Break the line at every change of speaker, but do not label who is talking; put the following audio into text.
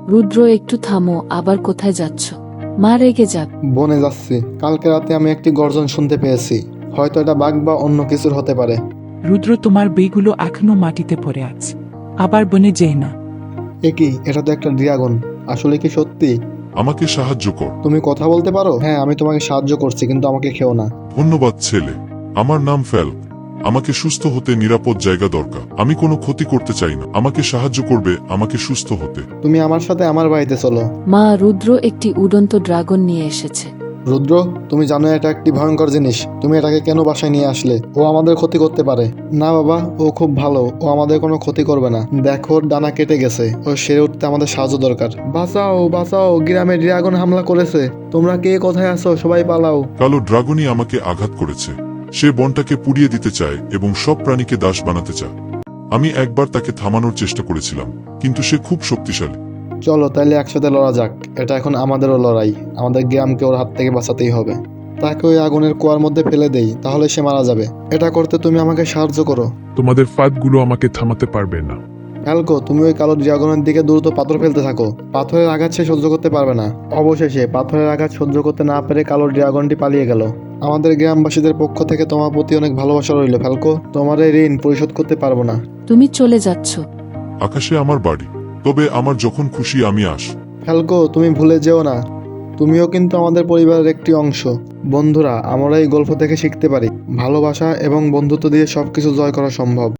রুদ্র, একটু থামো, আবার কোথায় যাচ্ছ? মা রেগে যাক।
বনে যাচ্ছি। কালকে রাতে আমি একটি গর্জন শুনতে পেয়েছি। হয়তো এটা বাঘ বা অন্য কিছুর হতে পারে।
রুদ্র, তোমার বইগুলো এখনো মাটিতে পড়ে আছে। আবার বনে যেই না।
কি, এটা তো একটা ড্রাগন। আসলে কি সত্যি?
আমাকে সাহায্য কর।
তুমি কথা বলতে পারো? হ্যাঁ, আমি তোমাকে সাহায্য করছি, কিন্তু আমাকে খেও না।
ধন্যবাদ ছেলে। আমার নাম ফ্যাল। আমাকে সুস্থ হতে নিরাপদ জায়গা দরকার। আমি কোনো ক্ষতি করতে চাই না। আমাকে সাহায্য করবে আমাকে সুস্থ হতে।
তুমি আমার সাথে আমার বাড়িতে চলো।
মা, রুদ্র একটি উড়ন্ত ড্রাগন নিয়ে এসেছে।
রুদ্র, তুমি জানো এটা একটি ভয়ঙ্কর জিনিস। তুমি এটাকে কেন বাসায় নিয়ে আসলে? ও আমাদের ক্ষতি করতে পারে। না বাবা, ও খুব ভালো। ও আমাদের কোনো ক্ষতি করবে না। দেখো, ওর ডানা কেটে গেছে। ও সেরে উঠতে আমাদের সাহায্য দরকার। বাঁচাও, বাঁচাও, গ্রামে ড্রাগন হামলা করেছে। তোমরা কে কোথায় আছো? সবাই পালাও।
কালো ড্রাগনই আমাকে আঘাত করেছে। সে বনটাকে পুড়িয়ে দিতে চায় এবং সব প্রাণীকে দাস বানাতে চায়। আমি একবার তাকে থামানোর চেষ্টা করেছিলাম, কিন্তু সে খুব শক্তিশালী।
চলো তাইলে একসাথে লড়া যাক। এটা এখন আমাদেরও লড়াই। আমাদের গ্রামকে ওর হাত থেকে বাঁচাতেই হবে। তাকে ওই আগুনের কুয়ার মধ্যে ফেলে দেই, তাহলে সে মারা যাবে। এটা করতে তুমি আমাকে সাহায্য করো।
তোমাদের ফাঁদগুলো আমাকে থামাতে পারবে না।
ফ্যালকো, তুমি ওই কালো ড্রাগনের দিকে দ্রুত পাথর ফেলতে থাকো। পাথরের আঘাত সে সহ্য করতে পারবে না। অবশেষে পাথরের আঘাত সহ্য করতে না পেরে কালো ড্রাগনটি পালিয়ে গেল। আমাদের গ্রামবাসীদের পক্ষ থেকে তোমার প্রতি অনেক ভালোবাসা রইল ফ্যালকো। তোমার এই ঋণ পরিশোধ করতে পারবো না।
তুমি চলে যাচ্ছ?
আকাশে আমার বাড়ি, তবে আমার যখন খুশি আমি আস।
ফ্যালকো, তুমি ভুলে যেও না, তুমিও কিন্তু আমাদের পরিবারের একটি অংশ। বন্ধুরা, আমরা এই গল্প থেকে শিখতে পারি ভালোবাসা এবং বন্ধুত্ব দিয়ে সবকিছু জয় করা সম্ভব।